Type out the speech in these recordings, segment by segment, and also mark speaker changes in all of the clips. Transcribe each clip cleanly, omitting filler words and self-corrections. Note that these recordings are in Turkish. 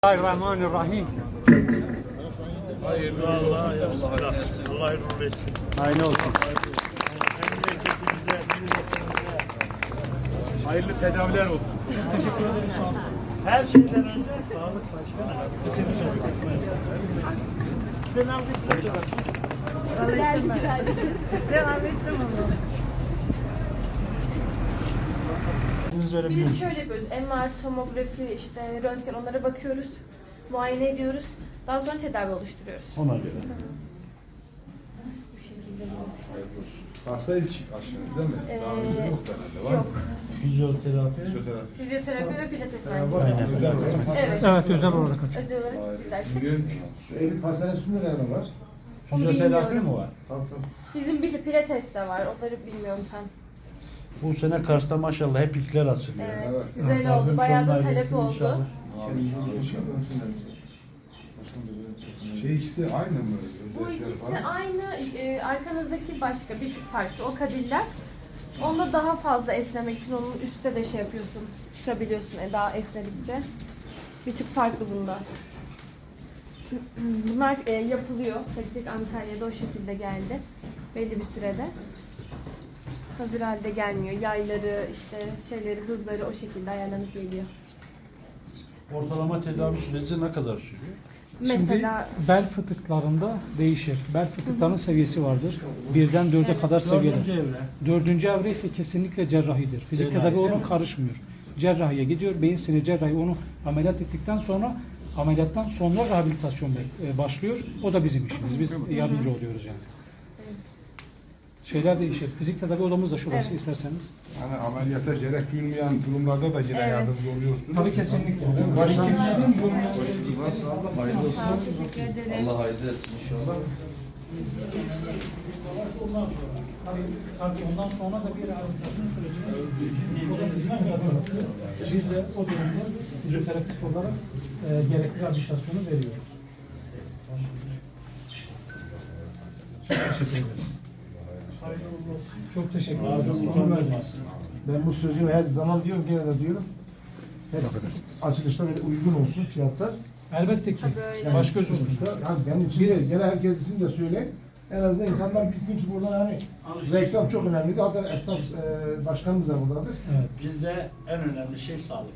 Speaker 1: Bismillahirrahmanirrahim.
Speaker 2: Hayırlı Allah hayırlı etsin.
Speaker 1: Aynı olsun.
Speaker 2: Memleketimize, milletimize
Speaker 1: Hayırlı tedaviler olsun.
Speaker 2: teşekkür ederiz. Her şeyden önce sağlık başkanı. Kesinlikle. Ben alkışlıyorum.
Speaker 3: Devam ettim onu.
Speaker 4: Biz şöyle yapıyoruz. MR, tomografi, işte röntgen onlara bakıyoruz. Muayene ediyoruz. Daha sonra tedavi oluşturuyoruz.
Speaker 2: Ona göre.
Speaker 4: Bu şekilde.
Speaker 5: Hasta ilk aşınızda mı? Daha önce yok herhalde, var
Speaker 4: Yok.
Speaker 5: mı?
Speaker 2: Fizyoterapi.
Speaker 5: Fizyoterapi.
Speaker 4: Fizyoterapi ve pilates var.
Speaker 2: Aynen.
Speaker 5: Özel olarak.
Speaker 4: Evet.
Speaker 1: Evet, özel olarak açık.
Speaker 4: Özel olarak istersek.
Speaker 5: Biliyorum ki. Şu Elif hastanesinde nerede var?
Speaker 4: Onu
Speaker 2: Fizyoterapi
Speaker 4: bilmiyorum.
Speaker 2: mi var?
Speaker 5: Tamam tamam.
Speaker 4: Bizim bir pilates de var. Onları bilmiyorum tam.
Speaker 2: Bu sene Kars'ta maşallah hep ilkler açılıyor.
Speaker 4: Evet.
Speaker 5: Evet.
Speaker 4: Güzel oldu. Bayağı da talep oldu.
Speaker 5: Şey ikisi aynı mı?
Speaker 4: Bu
Speaker 5: Özellikler
Speaker 4: ikisi
Speaker 5: falan.
Speaker 4: aynı. Arkanızdaki başka bir tık farklı. O kadiller. Onda daha fazla esnemek için onun üstte de şey yapıyorsun. Çıkabiliyorsun daha esnedikçe. Bir tık farklı bunda. Bunlar yapılıyor. Tek tek Antalya'da o şekilde geldi. Belli bir sürede. Hazır halde gelmiyor. Yayları, işte şeyleri, hızları o şekilde ayarlanıp geliyor.
Speaker 2: Ortalama tedavi süreci ne kadar sürüyor?
Speaker 4: Mesela
Speaker 1: Şimdi bel fıtıklarında değişir. Bel fıtıklarının seviyesi vardır. Birden dörde kadar seviyede.
Speaker 2: Dördüncü evre.
Speaker 1: Dördüncü evre ise kesinlikle cerrahidir. Fizik
Speaker 2: Cerrahi
Speaker 1: tedavi
Speaker 2: değil
Speaker 1: ona
Speaker 2: mi?
Speaker 1: karışmıyor. Cerrahiye gidiyor. Beyin sinir cerrahi onu ameliyat ettikten sonra ameliyattan sonra rehabilitasyon başlıyor. O da bizim işimiz. Biz yardımcı oluyoruz yani. Şeyler değişir. Fizik tedavi odamız da şurası
Speaker 4: Evet.
Speaker 1: isterseniz.
Speaker 5: Yani ameliyata gerek duymayan durumlarda da yine
Speaker 4: Evet.
Speaker 5: yardımcı oluyorsunuz.
Speaker 1: Tabii kesinlikle.
Speaker 5: Başlangıç.
Speaker 4: hayırlı olsun. Teşekkür ederim.
Speaker 6: Allah hayırlı etsin inşallah.
Speaker 1: Tabii ondan sonra da bir rehabilitasyon sürecine biz de o durumda fizyoterapist olarak gerekli rehabilitasyonu veriyoruz. Çok teşekkür ederim. Çok teşekkür ederim.
Speaker 7: Ben bu sözümü her zaman diyorum, gene de diyorum. Hep açılışta böyle uygun olsun fiyatlar.
Speaker 1: Elbette ki.
Speaker 4: Tabii öyle.
Speaker 7: Yani
Speaker 1: Baş göz
Speaker 7: sonuçta,
Speaker 1: olsun.
Speaker 7: yani benim için
Speaker 1: Biz-
Speaker 7: de, gene herkes için de söyle. En azından insanlar bilsin ki buradan hani reklam çok önemli. Hatta esnaf başkanımız da buradadır.
Speaker 1: Evet.
Speaker 2: Bizde en önemli şey sağlık.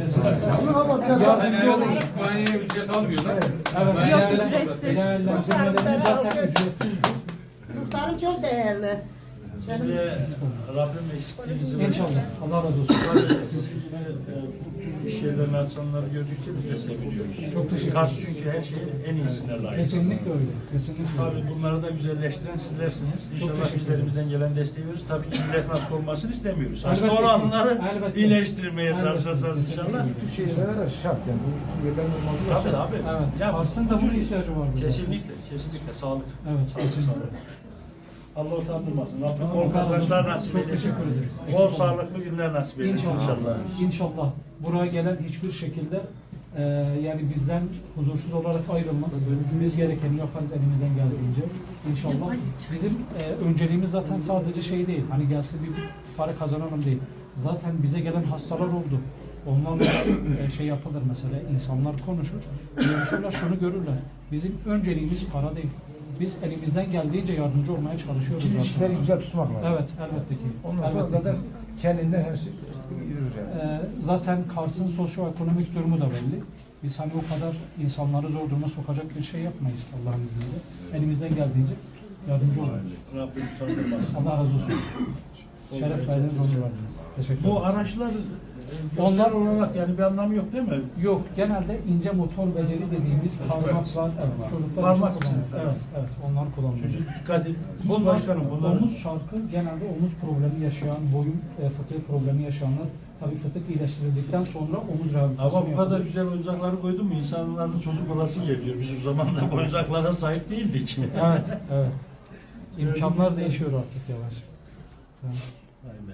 Speaker 7: Ama biraz daha
Speaker 1: Yardımcı olun.
Speaker 5: Muayeneye ücret almıyorlar.
Speaker 7: Evet.
Speaker 1: Evet.
Speaker 4: Yok, ücretsiz.
Speaker 1: Değerlendirmelerimiz zaten ücretsizdir.
Speaker 3: Muhtarım çok değerli.
Speaker 2: Şimdi Rabbim eksikliğinizi
Speaker 1: İnşallah. Allah razı olsun.
Speaker 2: Yine bu tür iş yerlerinin açanları gördükçe biz de seviniyoruz.
Speaker 1: Çok teşekkür ederim.
Speaker 2: Kars çünkü her şeyin en iyisine layık.
Speaker 1: Kesinlikle öyle. Kesinlikle
Speaker 2: Tabii
Speaker 1: öyle.
Speaker 2: bunları da güzelleştiren sizlersiniz. İnşallah
Speaker 1: teşekkür
Speaker 2: bizlerimizden gelen desteği veririz. Tabii ki millet hasta olmasını istemiyoruz.
Speaker 1: Elbette
Speaker 2: Hasta
Speaker 1: ki.
Speaker 2: olanları
Speaker 1: Elbette.
Speaker 2: iyileştirmeye
Speaker 1: Elbette.
Speaker 2: çalışacağız inşallah.
Speaker 7: bu şeylere de şart yani. Bu yerlerin olması da
Speaker 2: Tabii
Speaker 7: şart.
Speaker 2: abi.
Speaker 1: Evet.
Speaker 2: Ya,
Speaker 1: Kars'ın da buna ihtiyacı var.
Speaker 2: Kesinlikle, kesinlikle sağlık.
Speaker 1: Evet,
Speaker 2: Sağlık,
Speaker 1: kesinlikle.
Speaker 2: sağlık. Allah utandırmasın. Rabbim
Speaker 1: Allah
Speaker 2: bol
Speaker 1: razı olsun.
Speaker 2: kazançlar nasip
Speaker 1: Çok
Speaker 2: eylesin.
Speaker 1: teşekkür ederiz.
Speaker 2: Bol sağlıklı günler nasip eylesin inşallah.
Speaker 1: İnşallah. Buraya gelen hiçbir şekilde yani bizden huzursuz olarak ayrılmaz. Biz gerekeni yaparız elimizden geldiğince. İnşallah. Bizim önceliğimiz zaten sadece şey değil. Hani gelsin bir para kazanalım değil. Zaten bize gelen hastalar oldu. Onlarla şey yapılır mesela. İnsanlar konuşur. Görüşürler, şunu görürler. Bizim önceliğimiz para değil. Biz elimizden geldiğince yardımcı olmaya çalışıyoruz
Speaker 7: Şimdi
Speaker 1: zaten.
Speaker 7: ilişkileri güzel tutmak lazım.
Speaker 1: Evet, elbette ki.
Speaker 7: Ondan sonra
Speaker 1: Elbette ki.
Speaker 7: zaten kendinden her şey yürür yani.
Speaker 1: Zaten Kars'ın sosyoekonomik durumu da belli. Biz hani o kadar insanları zor duruma sokacak bir şey yapmayız Allah'ın izniyle. Elimizden geldiğince yardımcı oluruz.
Speaker 2: Rabbim utandırmasın.
Speaker 1: Allah razı olsun. Şeref verdiniz, onur verdiniz. Teşekkür ederim.
Speaker 2: Bu araçlar
Speaker 1: Onlar-
Speaker 2: onlar olarak yani bir anlamı yok değil mi?
Speaker 1: Yok, genelde ince motor beceri dediğimiz parmaklar, evet, çocuklar
Speaker 2: Parmak
Speaker 1: için kullanılıyor.
Speaker 2: için.
Speaker 1: Evet, evet, onlar kullanılıyor.
Speaker 2: Çocuk dikkat edin.
Speaker 1: Bunlar,
Speaker 2: Başkanım bunlar.
Speaker 1: omuz şarkı genelde omuz problemi yaşayan, boyun fıtığı problemi yaşayanlar, tabii fıtık iyileştirildikten sonra omuz rehabilitasyonu
Speaker 2: Ama bu kadar
Speaker 1: yapılıyor.
Speaker 2: güzel oyuncakları koydun mu insanların çocuk olası geliyor. Biz o zaman da bu oyuncaklara sahip değildik.
Speaker 1: Evet, evet. İmkanlar değişiyor artık yavaş. Tamam.
Speaker 2: Vay be.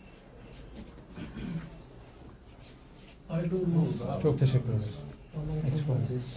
Speaker 1: Çok teşekkür ederiz. Eksik olmayın.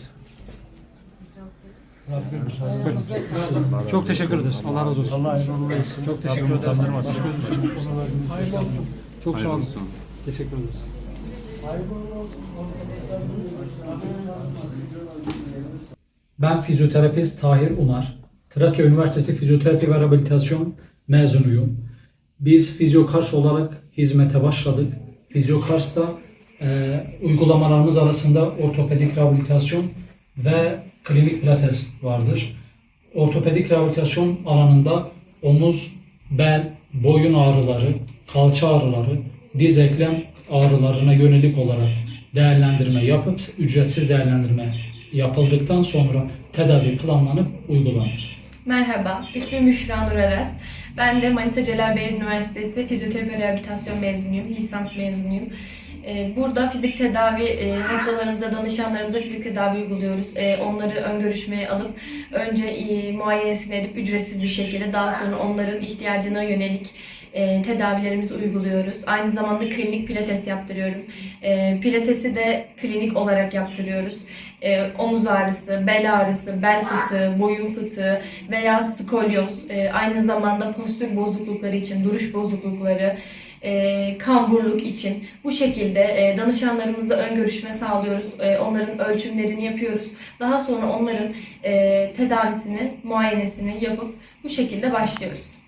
Speaker 1: Çok teşekkür ederiz. Allah razı olsun.
Speaker 2: Allah hayırlı etsin.
Speaker 1: Çok teşekkür ederiz. Çok sağ olun. Teşekkür ederiz. Ben fizyoterapist Tahir Unar. Trakya Üniversitesi Fizyoterapi ve Rehabilitasyon mezunuyum. Biz Fizyokars olarak hizmete başladık. Fizyokars'ta uygulamalarımız arasında ortopedik rehabilitasyon ve klinik pilates vardır. Ortopedik rehabilitasyon alanında omuz, bel, boyun ağrıları, kalça ağrıları, diz eklem ağrılarına yönelik olarak değerlendirme yapıp ücretsiz değerlendirme yapıldıktan sonra tedavi planlanıp uygulanır.
Speaker 6: Merhaba, ismim Büşra Nur Aras. Ben de Manisa Celal Bayar Üniversitesi Fizyoterapi ve Rehabilitasyon mezunuyum, lisans mezunuyum. Burada fizik tedavi, hastalarımıza, danışanlarımıza fizik tedavi uyguluyoruz. Onları ön görüşmeye alıp önce muayenesini edip ücretsiz bir şekilde daha sonra onların ihtiyacına yönelik tedavilerimizi uyguluyoruz. Aynı zamanda klinik pilates yaptırıyorum. Pilatesi de klinik olarak yaptırıyoruz. Omuz ağrısı, bel ağrısı, bel fıtığı, boyun fıtığı veya skolyoz, aynı zamanda postür bozuklukları için, duruş bozuklukları, kamburluk için bu şekilde danışanlarımızla ön görüşme sağlıyoruz. Onların ölçümlerini yapıyoruz. Daha sonra onların tedavisini, muayenesini yapıp bu şekilde başlıyoruz.